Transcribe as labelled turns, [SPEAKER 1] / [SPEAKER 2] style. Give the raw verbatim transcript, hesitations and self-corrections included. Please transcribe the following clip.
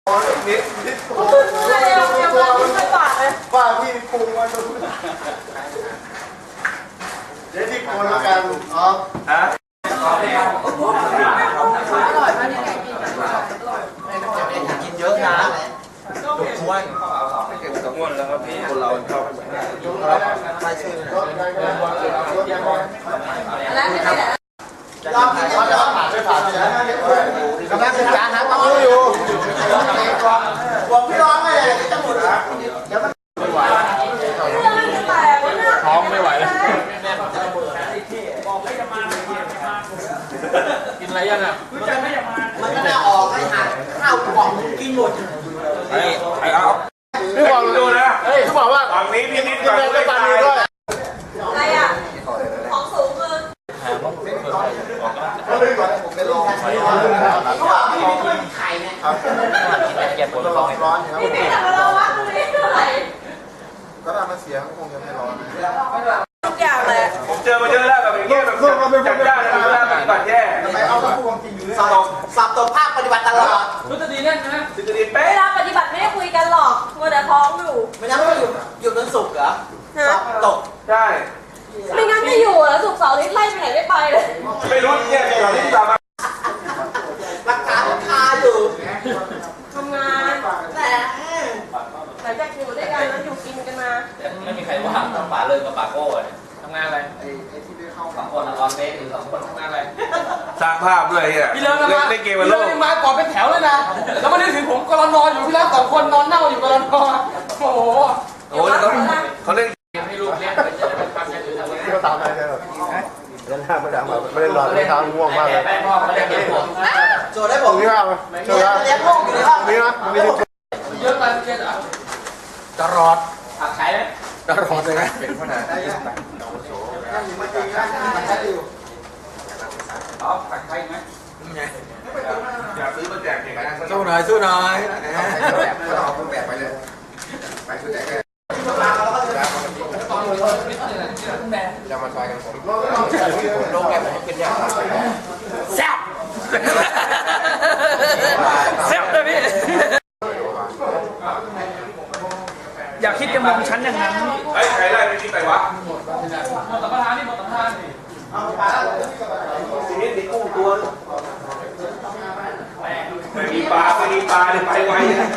[SPEAKER 1] นิดนิดโอ้โหยังมาถึงไม่ปากเลยป้าพี่ปรุงมาดูเดี๋ยวที่คนละกันอ๋อฮะอร่อยมากยังไงกินกินเยอะนะทุกคนไม่เก็บกับม้วนแล้วครับพี่คนเราชอบไม่ใช่แล้วที่ไหนยอมกินยอมผ่านไม่ผ่านกำลังศึกษาหาความรู้อยู่บอกพี่ร้องไม่เลยจะหมดแล้วเดี๋ยวมันไม่ไหวท้องไม่ไหวแล้วกินอะไรยังอ่ะมันก็จะออกให้หาข้าวกล่องกินหมดไอ้ไอ้เอาพี่บอกดูนะพี่บอกว่าฝั่งนี้พี่นิดฝั่งนี้ก็ปานีด้วยอะไรอ่ะของสูงมือเขาเลยก่อนผมไปลองเขาบอกไม่มีไข่เนี่ยครับเก็บปวดร้อนร้อนครับพี่แต่เราวัดตรงนี้เท่าไหร่ก็ทำมาเสียงคงยังไม่ร้อนทุกอย่างเลยผมเจอมาเยอะแล้วแบบอย่างเงี้ยแบบจัดจ้านนะแล้วแบบแบบแย่ไปเอาตัวความจริงอยู่เลยสอบตัวภาคปฏิบัติตลอดรู้จะดีแน่นนะจะดีเป๊ะเวลาปฏิบัติไม่ได้คุยกันหรอกมัวแต่ท้องอยู่ไม่งั้นก็อยู่อยู่จนสุกเหรอสอบตกใช่ไม่งั้นจะอยู่แล้วสุกเสาร์อาทิตย์ไล่ไปไหนไม่ไปเลยไม่รู้เนี่ยเสาร์อาทิตย์ตามมารักษาคาอยู่ทำงานแต่หลังจากอยู่ด้วยกันแล้วอยู่กินกันมาไม่มีใครว่างต้องป่าเลยกับป่าโก้เลยทำงานอะไรไอ้ไอ้ที่ได้เข้าสองคนออนเฟซหรือสองคนทำงานอะไรสร้างภาพด้วยเฮียพี่เลิศนะเล่นเกมมันโลกพี่เลิศมาก่อนเป็นแถวเลยนะแล้วมานึกถึงผมกำลังนอนอยู่พี่เลิศสองคนนอนเน่าอยู่กำลังนอนโอ้โหโอ้เขาเขาเล่นให้ลูกเลี้ยงไปเจอเป็นความยังอยู่ที่เขาตามอะไรเนี่ยเล่นห้าไม่ได้มาไม่ได้นอนไม่ทำง่วงมากเลยโจได้ผมนี่ว่าโจได้เลี้ยงพวกอยู่ในห้องนี่นะเยอะไปเยอะอ่ะตลอดผักไข่ไหมตลอดเลยไหมเป็นขนาดนี้อ๋อผักไข่ไหมอยากซื้อมาแจกเก่งนะสู้หน่อยสู้หน่อยแบบก็เอาเครื่องแบบไปเลยไปซื้อแจกเลยจะมาซอยกันผมโรงแรมผมเป็นยังแซ่บแซ่บเลยพี่อย่าคิดจะมองฉันอย่างนั้นไอ้ใครไล่ไปที่ไหนวะหมดสัมปทานนี่หมดสัมปทานนี่ทีนี้ติดกุ้งตัวไม่มีปลาไม่มีปลาเนี่ยไปไวนะ